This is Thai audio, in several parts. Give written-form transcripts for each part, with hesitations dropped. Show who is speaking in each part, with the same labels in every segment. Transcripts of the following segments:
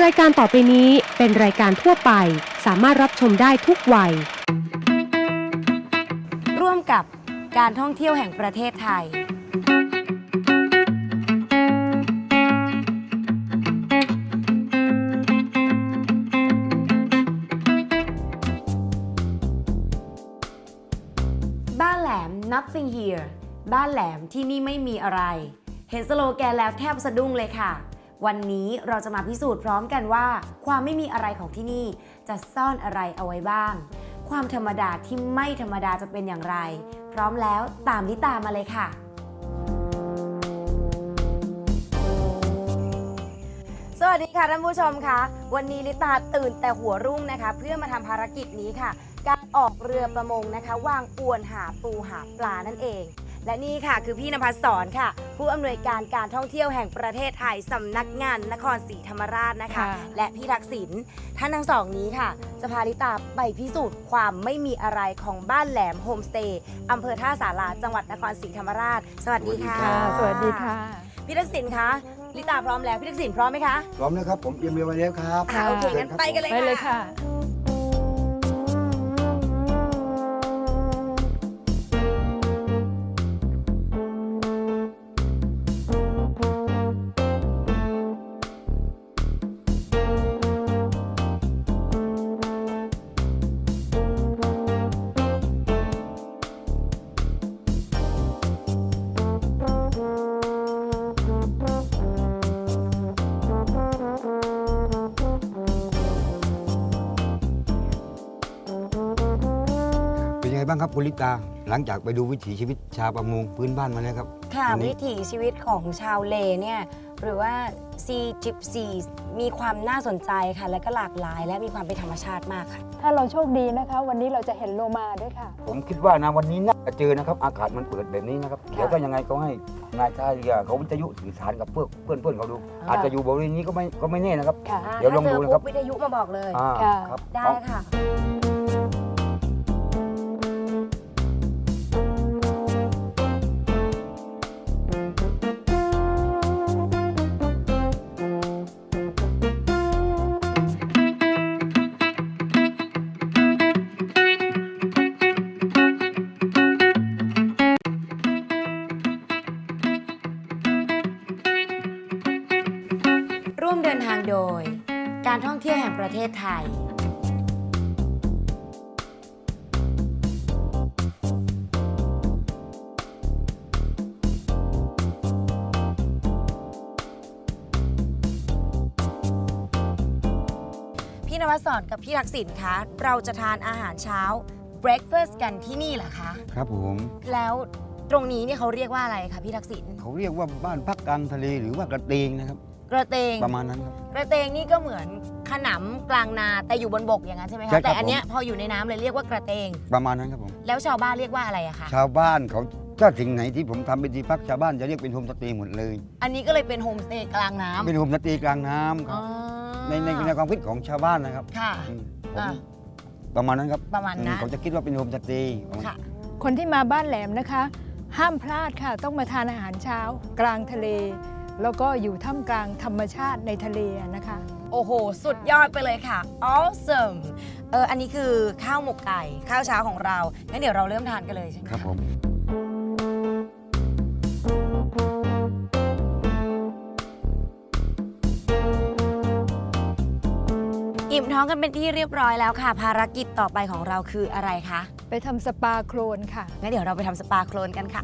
Speaker 1: รายการต่อไปนี้เป็นรายการทั่วไปสามารถรับชมได้ทุกวัย
Speaker 2: ร่วมกับการท่องเที่ยวแห่งประเทศไทยบ้านแหลม Nothing here บ้านแหลมที่นี่ไม่มีอะไรเห็นสโลแกนแล้วแทบสะดุ้งเลยค่ะวันนี้เราจะมาพิสูจน์พร้อมกันว่าความไม่มีอะไรของที่นี่จะซ่อนอะไรเอาไว้บ้างความธรรมดาที่ไม่ธรรมดาจะเป็นอย่างไรพร้อมแล้วตามลิตามาเลยค่ะสวัสดีค่ะท่านผู้ชมคะวันนี้ลิตาตื่นแต่หัวรุ่งนะคะเพื่อมาทำภารกิจนี้ค่ะการออกเรือประมงนะคะวางอวนหาปูหาปลานั่นเองและนี่ค่ะคือพี่ณภัสสรค่ะผู้อำนวยการการท่องเที่ยวแห่งประเทศไทยสำนักงานนครศรีธรรมราชนะคะและพี่ทักษิณท่านทั้งสองนี้ค่ะจะพาลิตาไปพิสูจน์ความไม่มีอะไรของบ้านแหลมโฮมสเตย์อำเภอท่าสาราจังหวัดนครศรีธรรมราชสวัสดีค่ะ
Speaker 3: สวัสดีค่ะ
Speaker 2: พี่ทักษิณคะลิตาพร้อมแล้วพี่ทักษิณพร้อมไหมคะ
Speaker 4: พร้อมนะครับผมเตรียมเรือมาแล้วครับ
Speaker 2: โอเคงั้นไปกันเลยค่ะ
Speaker 3: ไปเลยค่ะ
Speaker 4: เป็นยังไงบ้างครับคุณลิตาหลังจากไปดูวิถีชีวิตชาวประมงพื้นบ้านมาแล้วครับ
Speaker 2: ค่ะวิถีชีวิตของชาวเลเนี่ยหรือว่าซีจิปซีมีความน่าสนใจค่ะและก็หลากหลายและมีความเป็นธรรมชาติมากค่ะ
Speaker 3: ถ้าเราโชคดีนะคะวันนี้เราจะเห็นโลมาด้วยค่ะ
Speaker 4: ผมคิดว่านะวันนี้น่าจะเจอนะครับอากาศมันเปิดแบบนี้นะครับเดี๋ยวก็ยังไงก็ให้นายท่าเรือเขาวิทยุสื่อสารกับเพื่อนเขาดูอาจจะอยู่บริเวณนี้ก็ไม่แน่นะครับเดี๋ยวลองดูนะครับ
Speaker 2: วิทยุมาบอกเลย
Speaker 4: ครับ
Speaker 2: ได้ค่ะร่วมเดินทางโดยการท่องเที่ยวแห่งประเทศไทยพี่ณภัสสรกับพี่ทักษิณคะเราจะทานอาหารเช้า breakfast กันที่นี่เหรอคะ
Speaker 4: ครับผม
Speaker 2: แล้วตรงนี้เนี่ยเขาเรียกว่าอะไรคะพี่ทักษิณ
Speaker 4: เขาเรียกว่าบ้านพักกลางทะเลหรือว่ากระเตงนะครับ
Speaker 2: กระเตง
Speaker 4: ประมาณนั้นครับ
Speaker 2: กระเตงนี่ก็เหมือนขนำกลางนาแต่อยู่บนบกอย่างนั้นใช่ไหมคะแต่อันเนี้ยพออยู่ในน้ำเลยเรียกว่ากระเตง
Speaker 4: ประมาณนั้นครับผม
Speaker 2: แล้วชาวบ้านเรียกว่าอะไรอะคะ
Speaker 4: ชาวบ้านเขาถ้าสิ่งไหนที่ผมทำเป็นที่พักชาวบ้านจะเรียกเป็นโฮมสเตย์หมดเลย
Speaker 2: อันนี้ก็เลยเป็นโฮมสเตย์กลางน้ำ
Speaker 4: เป็นโฮมสเตย์กลางน้ำครับในความคิดของชาวบ้านนะครับ
Speaker 2: ค่ะ
Speaker 4: ประมาณนั้นครับ
Speaker 2: ประมาณนั้น
Speaker 4: เขาจะคิดว่าเป็นโฮมสเตย์
Speaker 2: ค่ะ
Speaker 3: คนที่มาบ้านแหลมนะคะห้ามพลาดค่ะต้องมาทานอาหารเช้ากลางทะเลแล้วก็อยู่ท่ามกลางธรรมชาติในทะเลนะคะ
Speaker 2: โอ้โหสุดยอดไปเลยค่ะ awesome อันนี้คือข้าวหมกไก่ข้าวเช้าของเรางั้นเดี๋ยวเราเริ่มทานกันเลยใช่ไหม
Speaker 4: ครับผม
Speaker 2: อิ่มท้องกันเป็นที่เรียบร้อยแล้วค่ะภารกิจต่อไปของเราคืออะไรคะ
Speaker 3: ไปทำสปาโคลนค่ะ
Speaker 2: งั้นเดี๋ยวเราไปทำสปาโคลนกันค่ะ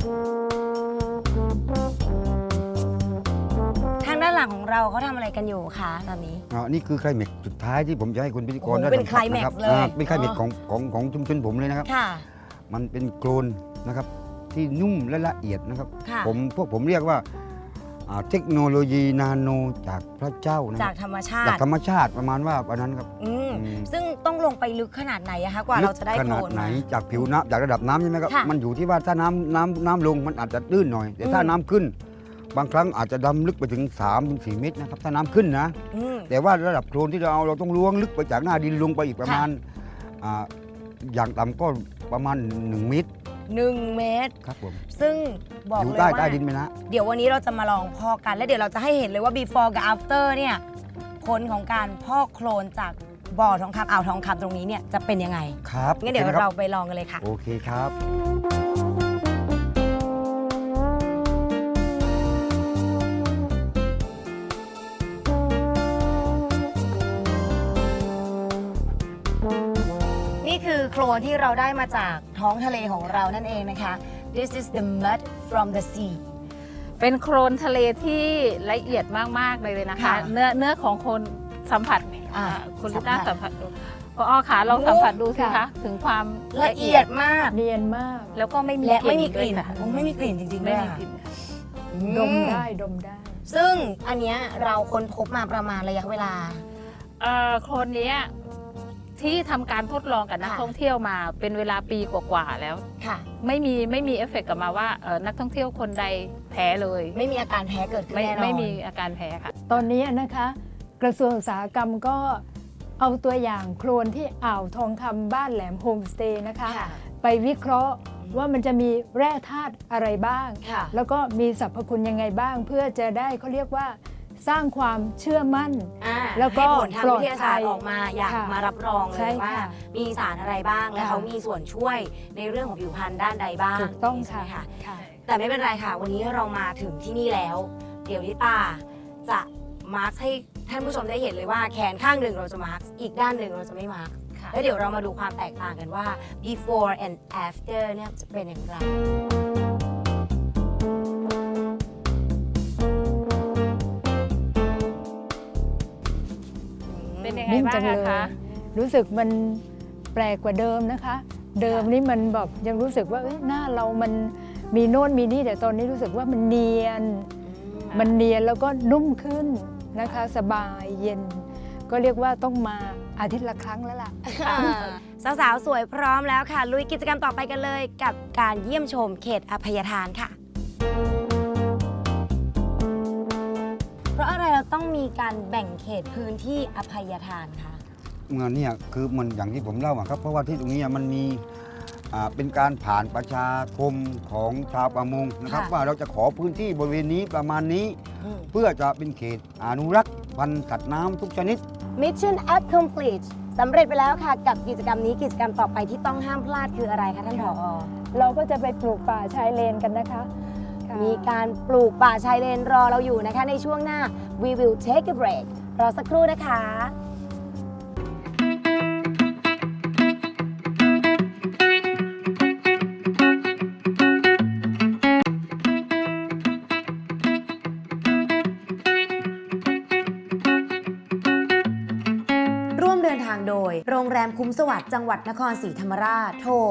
Speaker 2: ทางด้านหลังของเราเขาทำอะไรกันอยู่คะตอนนี้
Speaker 4: นี่คือไคลแม็กซ์สุดท้ายที่ผมจะให้คุณพิธีกรได้
Speaker 2: เป็นไคลแม็กซ์เลย
Speaker 4: เป็นไคลแม็กซ์ของชุมชนผมเลยนะครับมันเป็นโคลนนะครับที่นุ่มและละเอียดนะครับพวกผมเรียกว่าเทคโนโลยีนาโนจากพระเจ้านะ
Speaker 2: จากธรรมชาติ
Speaker 4: ประมาณว่าวันนั้นครับ
Speaker 2: ซึ่งต้องลงไปลึกขนาดไหนอะคะกว่าเราจะได้โคลน
Speaker 4: ขนาดไหนจากผิวน้ำจากระดับน้ำใช่ไหมครับมันอยู่ที่ว่าถ้าน้ำลงมันอาจจะตื้นหน่อยแต่ถ้าน้ำขึ้นบางครั้งอาจจะดำลึกไปถึง 3-4 เมตรนะครับถ้าน้ำขึ้นนะแต่ว่าระดับโคลนที่เราต้องล้วงลึกไปจากหน้าดินลงไปอีกประมาณอย่างต่ำก็ประมาณ1 เมตร
Speaker 2: 1 เมตร
Speaker 4: ครับผม
Speaker 2: ซึ่งบอกเลยว่า
Speaker 4: ใต้ดินไปนะ
Speaker 2: เดี๋ยววันนี้เราจะมาลองพอกันและเดี๋ยวเราจะให้เห็นเลยว่า before กับ after เนี่ยผลของการพอกโคลนจากบ่อทองคำอ่าวทองคำตรงนี้เนี่ยจะเป็นยังไง
Speaker 4: ครับ
Speaker 2: งั้นเดี๋ยว
Speaker 4: โอคคบ
Speaker 2: เราไปลองกันเลยค่ะ
Speaker 4: โอเคครับ
Speaker 2: นี่คือโคลนที่เราได้มาจากท้องทะเลของเรานั่นเองนะคะ This is the mud from the sea
Speaker 5: เป็นโคลนทะเลที่ละเอียดมาก ๆ เลยนะคะ
Speaker 2: ค่ะ
Speaker 5: เนื้อของคนสัมผัส คุณลิต้า
Speaker 2: สั
Speaker 5: สั
Speaker 2: ม
Speaker 5: ม
Speaker 2: ผั
Speaker 5: ผั
Speaker 2: ส
Speaker 5: สดูพอขาลองสัมผัสดูสิ
Speaker 3: ค่ะ
Speaker 5: คะถึงความ
Speaker 2: ละเอียดมาก
Speaker 3: เนียนมาก
Speaker 5: แล้วก็ไม่มี
Speaker 2: และไม่มีก
Speaker 5: ด้ว
Speaker 2: ลิ่
Speaker 5: ย
Speaker 2: น
Speaker 5: ค่ะ
Speaker 2: ไม่มีกลิ่นจริงๆ
Speaker 5: ไม่
Speaker 2: ด้วย
Speaker 5: มี
Speaker 2: ค่ะ
Speaker 5: กลิ่นค่ะ
Speaker 3: ดมได้ดมได้
Speaker 2: ซึ่งอันเนี้ยเราค้นพบมาประมาณระยะเวลา
Speaker 5: โคลนเนี้ยที่ทำการทดลองกับนัก
Speaker 2: ค่ะ
Speaker 5: ท่องเที่ยวมาเป็นเวลาปีกว่าๆแล้ว
Speaker 2: ค่ะ
Speaker 5: ไม่มีเอฟเฟกต์กลับมาว่านักท่องเที่ยวคนใดแพ้เลย
Speaker 2: ไม่มีอาการแพ้เกิดขึ้น
Speaker 5: ไม่
Speaker 2: แน่นอน
Speaker 5: ไม่มีอาการแพ้ค่ะ
Speaker 3: ตอนนี้นะคะ กระทรวงอุตสาหกรรมก็เอาตัวอย่างโคลนที่อ่าวทองคำบ้านแหลมโฮมสเตย์นะคะ
Speaker 2: ค่ะ
Speaker 3: ไปวิเคราะห์ว่ามันจะมีแร่ธาตุอะไรบ้าง
Speaker 2: ค่ะ
Speaker 3: แล้วก็มีสรรพคุณยังไงบ้าง เพื่อจะได้เขาเรียกว่าสร้างความเชื่อมั่น แล้วก็
Speaker 2: ให้ผลทางวิทยาศาสตร์
Speaker 3: ปลอดภัย
Speaker 2: ออกมาอยาก
Speaker 3: ค่ะ
Speaker 2: มารับรองเล
Speaker 3: ใช่
Speaker 2: ยว่า
Speaker 3: ค่ะ
Speaker 2: มีสารอะไรบ้างและ
Speaker 3: ค่ะ
Speaker 2: เขามีส่วนช่วยในเรื่องของผิวพรรณด้านใดบ้าง
Speaker 3: ถูกต้อง
Speaker 2: ใช่ไหม
Speaker 3: ค่ะ
Speaker 2: คะ แต่ไม่เป็นไรค่ะ วันนี้เรามาถึงที่นี่แล้ว เดี๋ยวลิตาจะมาร์คให้ท่านผู้ชมได้เห็นเลยว่าแขนข้างหนึ่งเราจะมาร์คอีกด้านหนึ่งเราจะไม่มาร์ค
Speaker 5: ค่ะ
Speaker 2: แล้วเดี๋ยวเรามาดูความแตกต่างกันว่า before and after เนี่ยจะเป็นอย่างไร
Speaker 5: เป็นยังไง
Speaker 3: นิ่ม
Speaker 5: บ้า
Speaker 3: จั
Speaker 5: ง
Speaker 3: งเล
Speaker 5: อะ
Speaker 3: ย
Speaker 5: คะ
Speaker 3: รู้สึกมันแปลกกว่าเดิมนะคะ เดิมนี่มันแบบยังรู้สึกว่าเอ้ยหน้าเรามันมีโน่นมีนี่แต่ตอนนี้รู้สึกว่ามันเนียน มันเนียนแล้วก็นุ่มขึ้นนะคะ สบายเย็น ก็เรียกว่าต้องมาอาทิตย์ละครั้งแล้วล่ะ
Speaker 2: สาวๆ สวยพร้อมแล้วค่ะ ลุยกิจกรรมต่อไปกันเลยกับการเยี่ยมชมเขตอภัยทานค่ะ เพราะอะไรเราต้องมีการแบ่งเขตพื้นที่อภัยทานคะ
Speaker 4: เงินเนี่ยคือมันอย่างที่ผมเล่าอะครับเพราะว่าที่ตรงนี้มันมีเป็นการผ่านประชาคมของชาวประมงนะครับ
Speaker 2: ค่ะ
Speaker 4: ว่าเราจะขอพื้นที่บริเวณนี้ประมาณนี้
Speaker 2: อืม
Speaker 4: เพื่อจะเป็นเขตอนุรักษ์พันธุ์สัตว์น้ำทุกชนิด
Speaker 2: Mission Complete สำเร็จไปแล้วค่ะ กับกิจกรรมนี้กิจกรรมต่อไปที่ต้องห้ามพลาดคืออะไรคะท่านผอ
Speaker 3: เราก็จะไปปลูกป่าชายเลนกันนะคะค่ะ
Speaker 2: มีการปลูกป่าชายเลนรอเราอยู่นะคะในช่วงหน้า We will take a break รอสักครู่นะคะ ร่วมเดินทางโดย โรงแรมคุ้มสวัสดิ์จังหวัดนครศรีธรรมราช โทร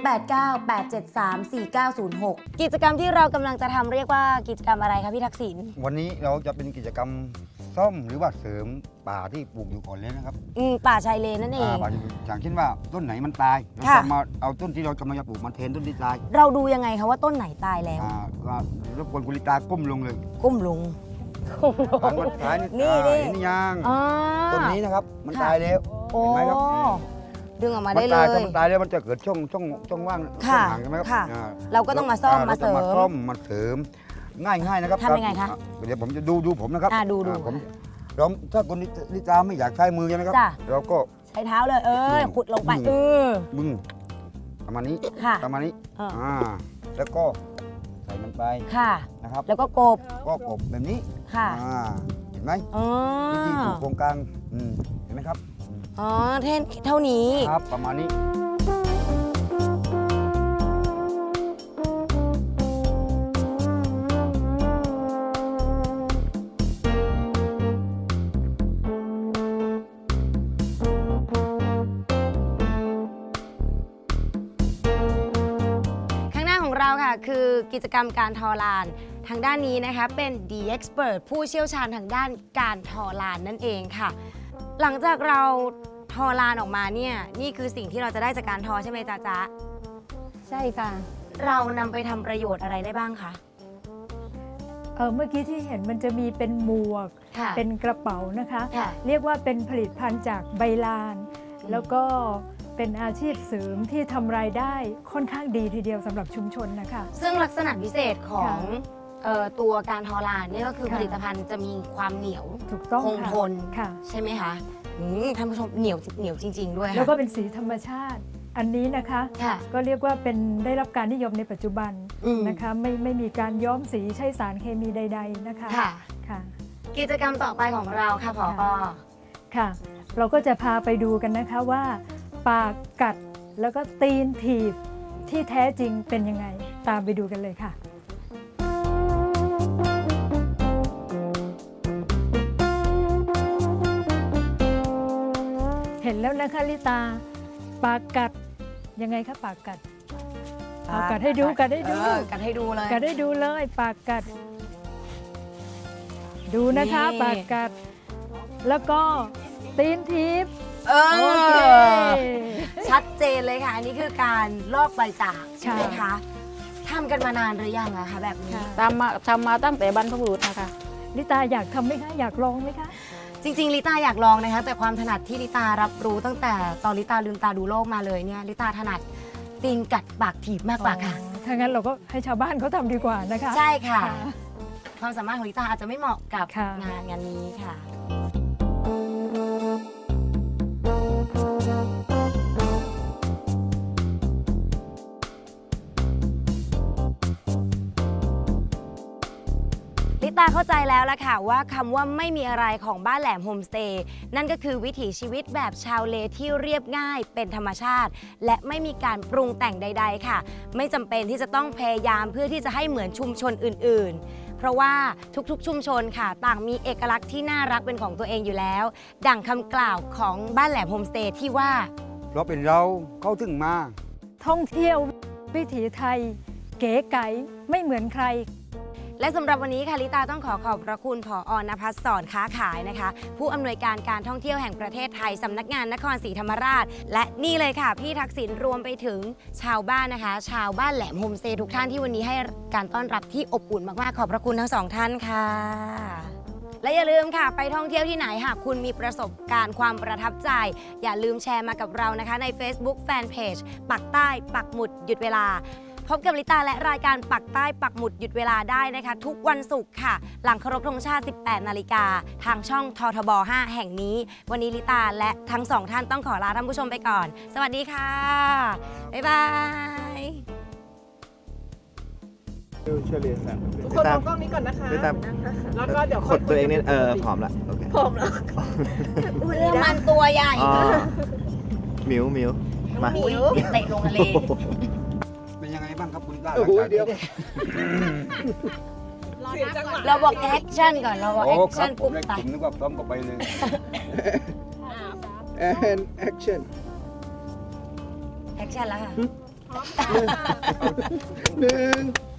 Speaker 2: 0898734906 กิจกรรมที่เรากำลังจะทำเรียกว่ากิจกรรมอะไรคะพี่ทักษิณ
Speaker 4: วันนี้เราจะเป็นกิจกรรมซ่อมหรือว่าเสริมป่าที่ปลูกอยู่ก่อนเลยนะครับ
Speaker 2: ป่าชายเลนนั่นเอง
Speaker 4: ป่าอย่างเช่นว่าต้นไหนมันตายเรา
Speaker 2: ค่ะ
Speaker 4: จะมาเอาต้นที่เรากำลังจะปลูกมาแทนต้นที่ตาย
Speaker 2: เราดูยังไงคะว่าต้นไหนตายแล้ว
Speaker 4: ก็รบกวนคุณลิตาก้มลงเลย
Speaker 2: ก้มลง
Speaker 4: หันมาท้าย
Speaker 2: นี่
Speaker 4: เห็นยัง
Speaker 2: อ๋อ
Speaker 4: ต้นนี้นะครับมัน
Speaker 2: ค่ะ
Speaker 4: ตายแล้ว
Speaker 2: โอ้
Speaker 4: เห็นไหมครับ
Speaker 2: ดึงออกมา
Speaker 4: มั
Speaker 2: ได้เล
Speaker 4: ตายถ้าย มันตายแล้วมันจะเกิดช่องว่าง
Speaker 2: ค่ะ
Speaker 4: ช่องห่างใช่ไหมครับ
Speaker 2: ค่ะ
Speaker 4: อ่า
Speaker 2: เราก็ต้องมาซ่อมมาเสริม
Speaker 4: มาซ่อมมาเสริมง่ายนะครับ
Speaker 2: ทำยังไงคะ
Speaker 4: เดี๋ยวผมจะดูผมนะครับ
Speaker 2: ดู
Speaker 4: ผมเราถ้าคนลิตาไม่อยากใช้มือใช่ไหมครับ
Speaker 2: จ้ะ
Speaker 4: เราก็
Speaker 2: ใช้เท้าเลย ขุดลงไป
Speaker 4: บึ้งประมาณนี้
Speaker 2: ค่ะ
Speaker 4: ประมาณนี้
Speaker 2: อ่า
Speaker 4: แล้วก็ใส่มันไป
Speaker 2: ค่ะ
Speaker 4: นะครับ
Speaker 2: แล้วก็กบ
Speaker 4: ก็กบแบบนี้
Speaker 2: ค่ะ
Speaker 4: เห็นไหม
Speaker 2: อ๋อ
Speaker 4: วิธีปลูกโครงกลางเห็นไหมครับ
Speaker 2: อ๋อเท่านี้
Speaker 4: ครับประมาณนี้
Speaker 2: ข้างหน้าของเราค่ะ คือกิจกรรมการทอลาน ทางด้านนี้นะคะเป็น The Expert ผู้เชี่ยวชาญทางด้านการทอลานนั่นเองค่ะ หลังจากเราทอลานออกมาเนี่ยนี่คือสิ่งที่เราจะได้จากการทอใช่ไหมจ๊ะจ๊ะ
Speaker 3: ใช่ค่ะ
Speaker 2: เรานำไปทำประโยชน์อะไรได้บ้างคะ
Speaker 3: เมื่อกี้ที่เห็นมันจะมีเป็นหมวก
Speaker 2: ค่ะ
Speaker 3: เป็นกระเป๋านะคะ
Speaker 2: ค่ะ
Speaker 3: เรียกว่าเป็นผลิตภัณฑ์จากใบลาน แล้วก็เป็นอาชีพเสริมที่ทำรายได้ค่อนข้างดีทีเดียวสำหรับชุมชนนะคะ
Speaker 2: ซึ่งลักษณะพิเศษของตัวการทอลานเนี่ยก็คือ
Speaker 3: ค่ะ
Speaker 2: ผลิตภัณฑ์จะมีความเหนียว
Speaker 3: ถูกต้อง
Speaker 2: คง
Speaker 3: ค่ะ
Speaker 2: ทน
Speaker 3: ค่ะ
Speaker 2: ใช่ไหมคะท่านผู้ชมเหนียวจริง ๆ ด้วย
Speaker 3: แล้วก็
Speaker 2: ค่ะ
Speaker 3: เป็นสีธรรมชาติ อันนี้นะคะ
Speaker 2: ค่ะ
Speaker 3: ก็เรียกว่าเป็นได้รับการนิยมในปัจจุบัน
Speaker 2: อืม
Speaker 3: นะคะไม่มีการย้อมสีใช้สารเคมีใด ๆนะคะ
Speaker 2: ค่ะ
Speaker 3: ค่ะ
Speaker 2: กิจกรรมต่อไปของเราค่ะผอ
Speaker 3: ค่ะ เราก็จะพาไปดูกันนะคะว่าปากกัดแล้วก็ตีนถีบที่แท้จริงเป็นยังไง ตามไปดูกันเลยค่ะ เห็นแล้วนะคะลิตาปากกัดยังไงคะปากกัดเอากัดให้ดูกัดให้ดู
Speaker 2: กัดให้ดูเลย
Speaker 3: กัดให้ดูเลยปากกัด ดูนะคะ
Speaker 2: นี่
Speaker 3: ปากกัด แล้วก็ตีนทิพย์
Speaker 2: เอ
Speaker 3: โอเค
Speaker 2: ชัดเจนเลยค่ะ อันนี้คือการลอกใบจากใช่ไหม
Speaker 3: ค่ะ
Speaker 2: คะทำกันมานานหรือยังอะคะแบบนี้
Speaker 3: ค่ะ
Speaker 5: ทำมาตั้งแต่บรรพบุรุษนะคะ
Speaker 3: ลิตาอยากทำไหมคะ อยากลองไหมคะ
Speaker 2: จริงๆลิตาอยากลองนะคะ แต่ความถนัดที่ลิตารับรู้ตั้งแต่ตอนลิตาลืมตาดูโลกมาเลยเนี่ยลิตาถนัดตีนกัดปากถีบมากกว่าค่ะ
Speaker 3: ถ้างั้นเราก็ให้ชาวบ้านเขาทำดีกว่านะคะ
Speaker 2: ใช่ค่ะ
Speaker 3: ค่ะ
Speaker 2: ความสามารถของลิตาอาจจะไม่เหมาะกับ
Speaker 3: ค่ะ
Speaker 2: งานนี้ค่ะ ลิตาเข้าใจแล้วละค่ะว่าคำว่าไม่มีอะไรของบ้านแหลมโฮมสเตย์นั่นก็คือวิถีชีวิตแบบชาวเลที่เรียบง่ายเป็นธรรมชาติ และไม่มีการปรุงแต่งใด ๆ ค่ะ ไม่จำเป็นที่จะต้องพยายามเพื่อที่จะให้เหมือนชุมชนอื่นๆ เพราะว่าทุกๆชุมชนค่ะ ต่างมีเอกลักษณ์ที่น่ารักเป็นของตัวเองอยู่แล้ว ดั่งคำกล่าวของบ้านแหลมโฮมสเตย์ที่ว่า
Speaker 4: เราเป็นเราเข้าถึงมา
Speaker 3: ท่องเที่ยววิถีไทย เก๋ไก๋ไม่เหมือนใคร
Speaker 2: และสำหรับวันนี้ค่ะลิตาต้องขอบพระคุณผอ.ณภัสสอนค้าขายนะคะ ผู้อำนวยการการท่องเที่ยวแห่งประเทศไทยสำนักงานนครศรีธรรมราช และนี่เลยค่ะพี่ทักษิณรวมไปถึงชาวบ้านนะคะ ชาวบ้านแหลมโฮมสเตย์ทุกท่านที่วันนี้ให้การต้อนรับที่อบอุ่นมากๆขอบพระคุณทั้งสองท่านค่ะ และอย่าลืมค่ะไปท่องเที่ยวที่ไหนหากคุณมีประสบการณ์ความประทับใจ อย่าลืมแชร์มากับเรานะคะใน Facebook Fanpage ปักใต้ปักหมุดหยุดเวลา พบกับลิตาและรายการปักใต้ปักหมุดหยุดเวลาได้นะคะ ทุกวันศุกร์ค่ะ หลังเคารพธงชาติ 18 นาฬิกาทางช่องททบ 5 แห่งนี้ วันนี้ลิตาและทั้งสองท่านต้องขอลาท่านผู้ชมไปก่อน สวัสดีค่ะ บ๊ายบาย
Speaker 6: เชอรี่สั่ง
Speaker 7: ทุกคนมองกล้องนี้ก่อนนะคะ
Speaker 6: ไม่ตาม
Speaker 7: แล้วก็เดี๋ยว
Speaker 6: กดตัวเองเนี่ยผอมละโอเค
Speaker 7: พร้อมแล้ว
Speaker 2: เรื่องมันตัวใหญ่
Speaker 6: อ๋อมิวมา
Speaker 2: หมิวเตะลงทะเล
Speaker 4: เป็นยังไงบ้างครับคุณลิต้า
Speaker 6: โอ้โหเดี๋ยว
Speaker 7: เสียจังหวะ
Speaker 2: เราบอกแอคชั่นก่อน เราบอก
Speaker 4: โอ้
Speaker 2: แอค
Speaker 4: ครั
Speaker 2: ชั่
Speaker 4: บ
Speaker 2: น
Speaker 4: ผ
Speaker 2: ปุ๊
Speaker 4: ม
Speaker 2: บ
Speaker 4: เลย
Speaker 2: ไป
Speaker 4: ผมนึกว่าพร้อมก็ไปเลย
Speaker 6: and action
Speaker 2: แอคชั่นแล้วค่ะ
Speaker 6: หนึ่ง